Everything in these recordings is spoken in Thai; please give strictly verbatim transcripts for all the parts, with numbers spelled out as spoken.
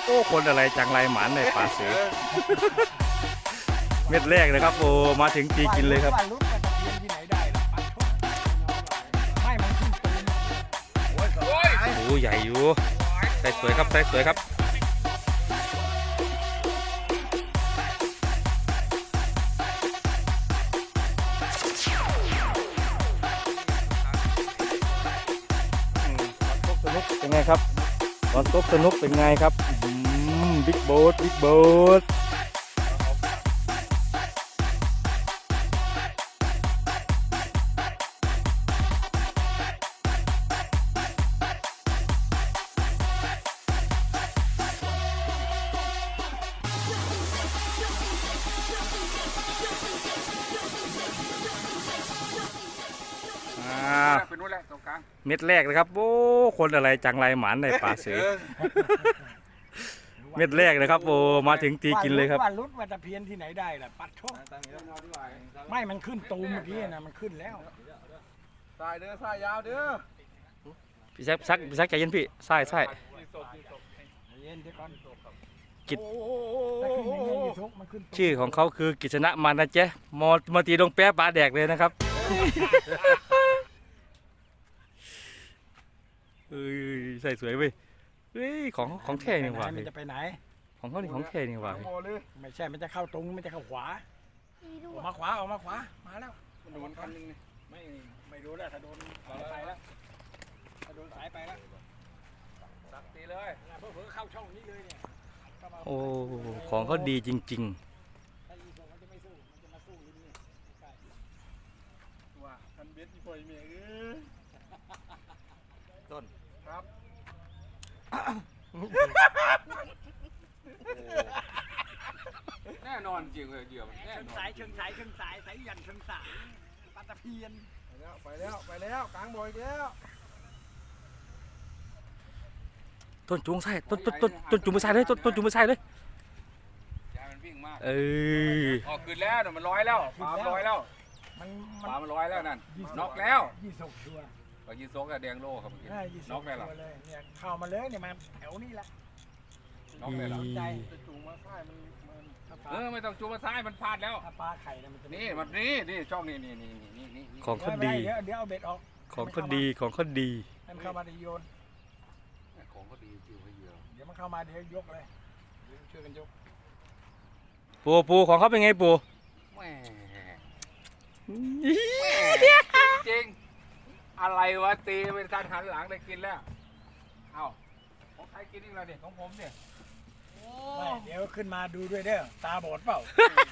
โอ้คนอะไรจังไรหมานในป่าเสือเม็ดแรกเลยครับโอ้มาถึงตีกินเลยครับโอ้ใหญ่อยู่ใส่สวยครับใส่สวยครับเป็นไงครับตอนตบสนุกเป็นไงครับบิ๊กโบ๊ทบิ๊กโบ๊ทเม็ดแรกเลยครับโอ้คนอะไรจังไรหมานในป่าเสือเม็ดแรกเลยครับโอ้มาถึงตีกินเลยครับว่ารุดว่าตะเพียนที่ไหนได้ล่ะปัดโชคไม่มันขึ้นตูมเมื่อกี้นะมันขึ้นแล้วสายเด้อสายยาวเด้อพี่ซักซักพี่ซักใจเย็นพี่ใช่ใช่เย็นเดี๋ยวก่อนกิจชื่อของเขาคือกิษณะมานะเจ๊มอมาตีดงแป๊ะปลาแดกเลยนะครับเอ้ยใส่สวยเว้ยเฮ้ยของของแท้นี่หว่ามันจะไปไหนของเขานี่ของแท้นี่หว่าไม่ใช่มันจะเข้าตรงมันจะเข้าขวาออกมาขวาออกมาขวามาแล้วมันโดนคันนึงนี่ไม่ไม่รู้แล้วถ้าโดนสายไปแล้วถ้าโดนสายไปแล้วสักตีเลยเพื่อเพื่อเข้าช่องนี้เลยเนี่ยโอ้ของเขาดีจริงๆว่าคันเบ็ดที่ปล่อยเมียเอ้ยต้นครับแน่นอนจริงเลยเดี่ยวแน่นอนสายเชิงสายเชิงสายสายยันเชิงสายปลาตะเพียนไปแล้วไปแล้วไปแล้วกลางบ่อยแล้วต้นจุงใส่ต้นต้นต้นต้นจุงไม่ใส่เลยต้นต้นจุงไม่ใส่เลยยามันวิ่งมากเออออกขึ้นแล้วมันลอยแล้วปลาลอยแล้วมันปลามันลอยแล้วนั่นน็อกแล้วยี่สกชัวปลายี่สกกับแดงโล่ครับเมื่อกี้น็อกได้หรอเนี่ยเข้ามาเลยเนี่ยมาแถวนี้แหละน็อกได้หรอใจจูงมาซ้ายมันเออไม่ต้องจูงมาซ้ายมันพลาดแล้วถ้าปลาไข่เนี่ยมันนี่มันนี่นี่ช่องนี่นี่นี่นี่นี่ของเขาดีเดี๋ยวเดี๋ยวเอาเบ็ดออกของเขาดีของเขาดีมันเข้ามาเดี๋ยวโยนของเขาดีจริงให้เยอะเดี๋ยวมันเข้ามาเดี๋ยวยกเลยช่วยกันยกปูปูของเขาเป็นไงปูแหมจริงอะไรวะตีเป็นการหันหลังได้กินแล้วเอ้าของใครกินอีกแล้วเนี่ยของผมเนี่ยไม่เดี๋ยวขึ้นมาดูด้วยเด้อตาบอดเปล่า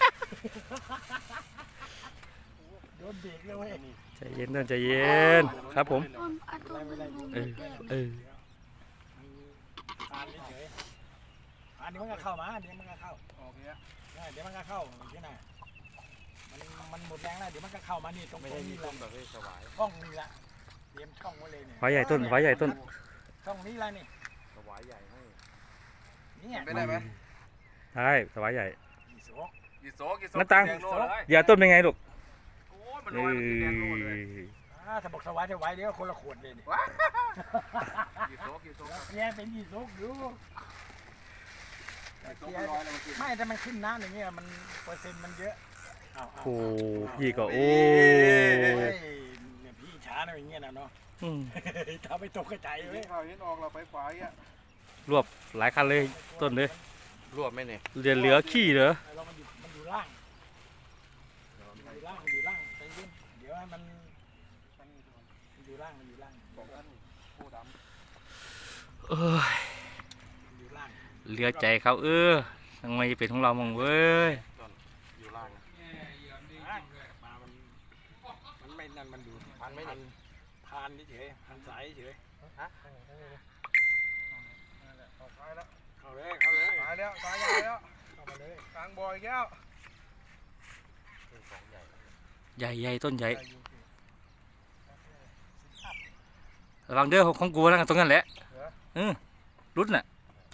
โดนเบรกเลยเว้ยใจเย็นใจเย็นครับผมเออเอออันนี้เฉยอันนี้มันก็เข้ามาเดี๋ยวมันก็เข้าโอเคเดี๋ยวมันก็เข้าที่ไหนมันมันหมดแรงแล้วเดี๋ยวมันก็เข้ามานี่ตรงนี้ลงแบบสบายช่องนี้ละเตรียมช่องไว้เลยเนี่ยไว้ใหญ่ต้นไว้ใหญ่ต้นช่องนี้ละนี่สบายใหญ่ให้นี่เป็นได้ไหมใช่สบายใหญ่ยี่โซยี่โซกี่โซน้าตังอย่าต้นเป็นไงลูกโอ้ยมันลอยมันแดงโลเลยถ้าบอกสบายจะไว้เดี๋ยวคนละขวดเลยนี่ยี่โซกี่โซเนี่ยเป็นยี่โซอยู่ไม่แต่มันขึ้นน้ำอย่างเงี้ยมันเปอร์เซ็นต์มันเยอะโอ้พี่ก็โอ้เนี่ยพี่ช้าหน่อยอย่างเงี้ยนะเนาะทำไปตกกระจายเลยข่าวนี้ออกเราไปขวาอ่ะรวบหลายคันเลยต้นเลยรวบไหมเนี่ยเหลือเหลือขี้เหรอเรามันอยู่มันอยู่ล่างอยู่ล่างอยู่ล่างใจเย็นเดี๋ยวให้มันมันอยู่ล่างมันอยู่ล่างบอกว่าผู้ดำเออเหลือใจเขาเออทำไมเป็นของเรามองเว้ยอยู่ล่างมันไม่นั่นมันอยู่พันไม่พันพันเฉยพันสายเฉยฮะเข้าแล้วเข้าเลยเข้าเลยตายแล้วตายแล้วเข้ามาเลยกลางบ่อยแก้วใหญ่ใหญ่ต้นใหญ่ระวังเด้อของกูนะตรงนั้นแหละเออรุดน่ะ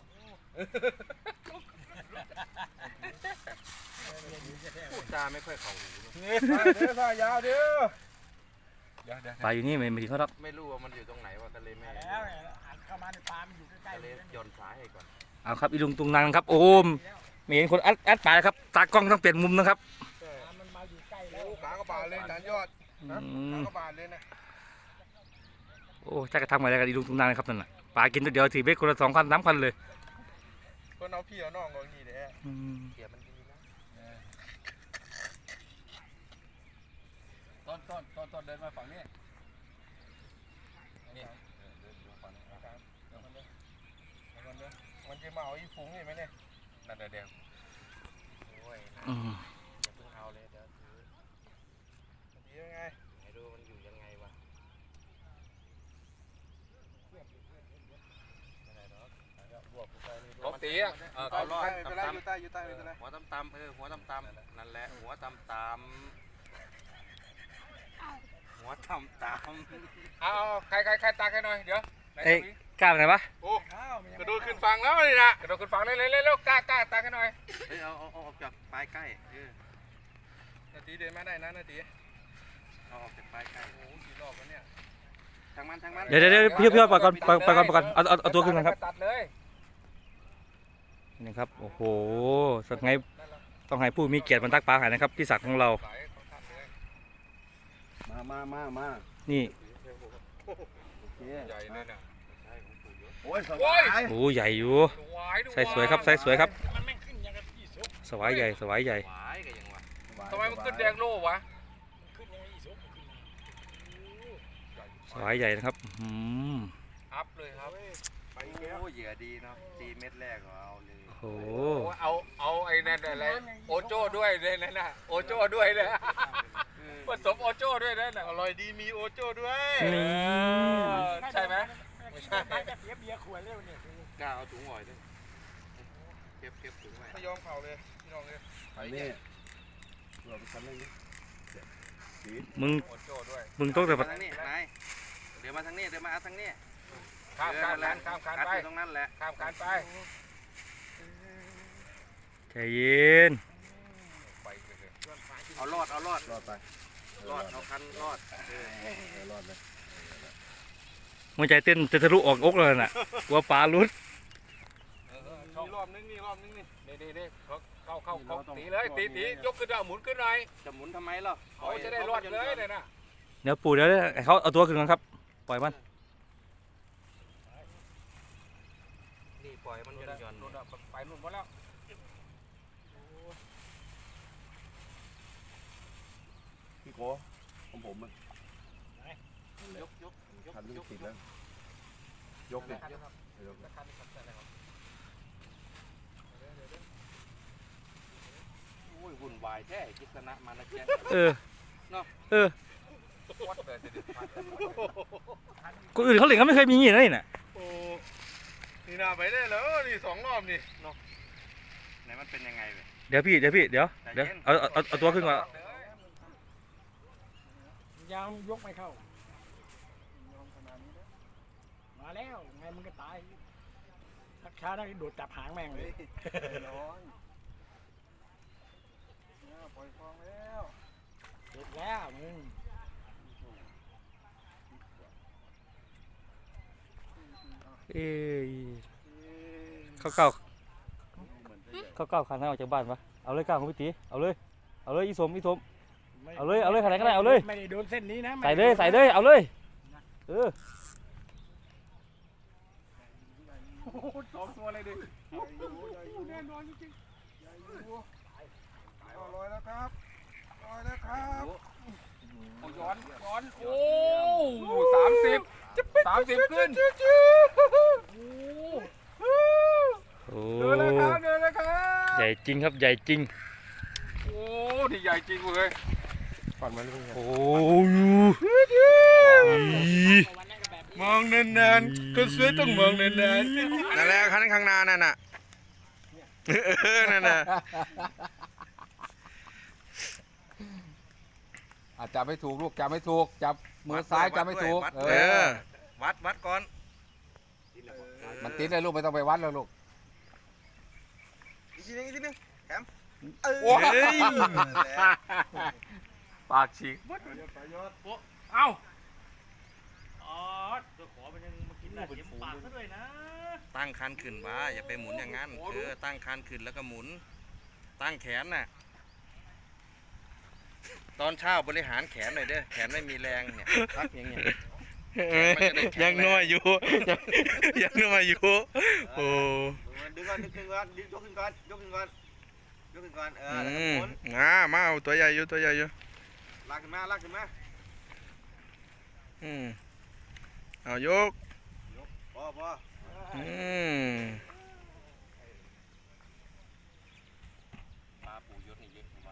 พูดจาไม่ค่อยเข้าหูเด้อสายยาวเด้อปลาอยู่นี่ไม่ไม่ถึงเขาหรอกไม่รู้ว่ามันอยู่ตรงไหนว่าทะเลแม่แล้วหันเข้ามาในปลามันอยู่ใกล้ๆเลยย้อนสายให้ก่อนอเอาครับอีลุงตุงนางครับโอ้มไม่เห็นคนอัดอัดปลาครับตากล้องต้องเปลี่ยนมุมนะครับมันมาอยู่ใกล้โอ้แล้วขากระบาดเลยจานยอดอืนะมขากระบาดเลยนะโอ้จะกระทำอะไรกันอีลุงตุงนางครับนั่นน่ะปลากินตัวเดียวถือเบ็ดคนละสองพันสามพันเลยเพื่อนเอาพี่เอาน้องก็นี่แหละอืมเกียมันดีนะต้นต้นต้นต้นเดินมาฝั่งนี้นี่เดินมาฝั่งนี้นะครับเดี๋ยวมันเดินเดี๋ยวมันเดินมันจะมาเอาอีฝูงนี่ไหมเนี่ยนั่นเดี๋ยวเดี๋ยวโอ้ยอืมอย่าเพิ่งเอาเลยเดี๋ยวถือมันดียังไงไหนดูมันอยู่ยังไงวะลบตีอ่ะเออเขาลอยไม่เป็นไรอยู่ใต้อยู่ใต้ไม่เป็นไรหัวตำตำเออหัวตำตำนั่นแหละหัวตำตำหัวตำตำเอาใครใครใครตาใครหน่อยเดี๋ยวเอ้ยกล้าไปไหนปะโอ้กระโดดขึ้นฝั่งแล้วนี่นะกระโดดขึ้นฝั่งเลยเลยเลยเร็วกล้ากล้าตาใครหน่อยเฮ้ยเอาเอาเอาออกจากปลายใกล้เออนาทีเดินมาได้นะนาทีเอาออกจากปลายใกล้โอ้กี่รอบแล้วเนี่ยทางมันทางมันเดี๋ยวเดี๋ยวเดี๋ยวพี่พี่ปล่อยก่อนปล่อยปล่อยก่อนปล่อยก่อนเอาเอาเอาตัวขึ้นก่อนครับตัดเลยนี่ครับโอ้โหสักไงต้องให้ผู้มีเกียรติบรรทักปลาหายนะครับพี่ศักดิ์ของเรามามามามานี่ใหญ่เลยเนี่ยโอ้ยสบายโอ้ใหญ่อยู่ใส่สวยครับใส่สวยครับมันไม่ขึ้นยังกับพี่สุกสวายใหญ่สวายใหญ่หวายกันยังวะทำไมมันขึ้นแดงโล่วะขึ้นยังอีสุกขึ้นสวายใหญ่นะครับอืมอัพเลยครับไปแก้วโอ้เหยื่อดีเนาะตีเม็ดแรกก็เอาเลยโอ้โหเอาเอาไอ้นั่นอะไรโอโจ้ด้วยเลยนั่นน่ะโอโจ้ด้วยเลยผสมโอโจ้ด้วยนั่นน่ะอร่อยดีมีโอโจ้ด้วยนี่ใช่ไหมไม่ใช่จะเสียเบียร์ขวดเร็วเนี่ยกล้าเอาถุงหอยด้วยเก็บเก็บถุงไว้ไม่ยอมเผาเลยพี่น้องเลยไปเนี่ยเราไปทำเรื่องนี้มึงโอโจ้ด้วยมึงต้องแต่มาทางนี้นายเดี๋ยวมาทางนี้เดี๋ยวมาเอาทางนี้ข้ามการนั้นข้ามการคัดไปอยู่ตรงนั้นแหละข้ามการไปใจเย็นไปเลยเอารอดเอารอดรอดไปรอดเอาคันรอดเออเออรอดเลยหัวใจเต้นจะทะลุออกอกเลยน่ะกลัวปลาลุดมีรอบนึงนี่รอบนึงนี่นี่นี่นี่เข้าเข้าเข้าเข้าตีเลยตีตียกขึ้นเอาหมุนขึ้นหน่อยจะหมุนทำไมล่ะเขาจะได้รอดเลยเลยนะเดี๋ยวปู่เดี๋ยวให้เขาเอาตัวขึ้นก่อนครับปล่อยมันนี่ปล่อยมันหย่อนหย่อนนู่นไปนู่นหมดแล้วพี่โกของผมมันยกยกยกคันนี้ยกติดแล้วยกเนี่ยยกโอ้ยวุ่นวายแท้กิษณะมานะแกเออเออวัดเลยสิคนอื่นเขาเล่นเขาไม่เคยมีอย่างนี้นะนี่น่ะโอ้นี่นาไปได้แล้วนี่สองรอบนี่ไหนมันเป็นยังไงเว้ยเดี๋ยวพี่เดี๋ยวพี่เดี๋ยวเดี๋ยวเอาเอาเอาเอาตัวขึ้นก่อนยาวยกไม่เข้ามาแล้วไงมึงก็ตายทักช้าได้โดดจับหางแม่งเลยร้อนปล่อยฟองแล้วเสร็จแล้วมึงเอ้ยเข้าเก้าเข้าเก้าขันให้ออกจากบ้านปะเอาเลยก้าวของพี่ตีเอาเลยเอาเลยอีสมอีสม เอาเลยเอาเลยขนาดไหนก็ได้เอาเลยไม่ได้โดนเส้นนี้นะใส่เลยใส่เลยเอาเลยเออสองตัวเลยดิแน่นอนจริงลอยแล้วครับลอยแล้วครับโอ้ย้อนย้อนโอ้สามสิบสามสิบขึ้นโอ้เดินเลยครับเดินเลยครับใหญ่จริงครับใหญ่จริงโอ้ที่ใหญ่จริงเลยโอ้ยมองนานๆก็สวยต้องมองนานๆนั่นแหละข้างข้างหน้านั่นน่ะเออนั่นน่ะอาจับไม่ถูกลูกจับไม่ถูกจับมือซ้ายจับไม่ถูกเออวัดวัดก่อนมันติดเลยลูกไม่ต้องไปวัดเลยลูกอีกทีนึงอีกทีนึงแถมโอ้ยปากฉีกเอ้าอ๋อตัวขอมันยังมากินเต็มปากซะด้วยนะตั้งคันขึ้นมาอย่าไปหมุนอย่างนั้นเออตั้งคันขึ้นแล้วก็หมุน ตั้งแขนน่ะตอนเช้าบริหารแขนหน่อยเด้อแขนไม่มีแรงเนี่ยพักอย่างเงี้ยยังน้อยอยู่ยังยังน้อยอยู่โอ้ดึงก่อนดึงก่อนดึงยกขึ้นก่อนยกขึ้นก่อนยกขึ้นก่อนเอออืมมามาเอาตัวใหญ่อยู่ตัวใหญ่อยู่ลากขึ้นมาลากขึ้นมาอืมเอายกพอพออืมปลาปูยศนี่เยอะกว่า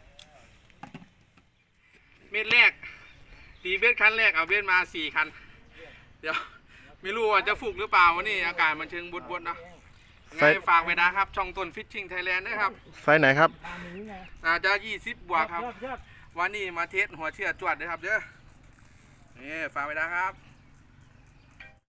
เม็ดแรกตีเบ็ดคันแรกเอาเบ็ดมาสี่คันเดี๋ยวไม่รู้ว่าจะฟุกหรือเปล่าวันนี้อากาศมันเชิงบดๆเนาะไงฝากไว้นะครับช่องต้นฟิชชิ่งไทยแลนด์นะครับไฟไหนครับตามนี้ไงอาจจะยี่สิบบวกครับยอดยอดวันนี้มาเทสหัวเชือดจวดเลยครับเด้อนี่ฝากไว้นะครับ